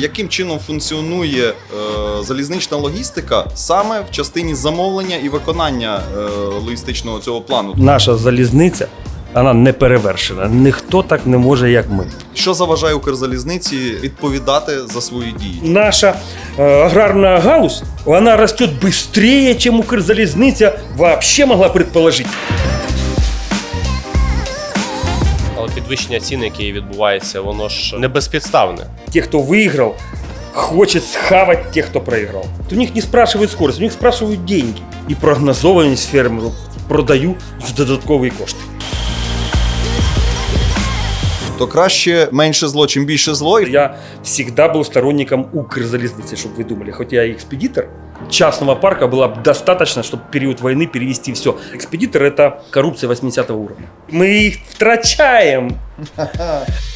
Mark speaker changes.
Speaker 1: яким чином функціонує залізнична логістика саме в частині замовлення і виконання логістичного цього плану?
Speaker 2: Наша залізниця, вона не перевершена. Ніхто так не може, як ми.
Speaker 1: Що заважає Укрзалізниці відповідати за свої дії?
Speaker 2: Наша аграрна галузь, вона росте швидше, ніж Укрзалізниця вообще могла предположити.
Speaker 3: Але підвищення цін, яке відбувається, воно ж не безпідставне.
Speaker 2: Те, хто виграв, хочуть схавати тих, хто проіграв. У них не спрашивають скорость, у них спрашивають деньги. І прогнозованість фермеру продаю в додаткові кошти.
Speaker 1: То краще менше зло, чим більше зло.
Speaker 2: Я всегда был сторонником Укрзалезницы, чтобы вы думали. Хоть я и экспедитор, частного парка было бы достаточно, чтобы в период войны перевести все. Экспедитор – это коррупция 80 уровня. Мы их втрачаем.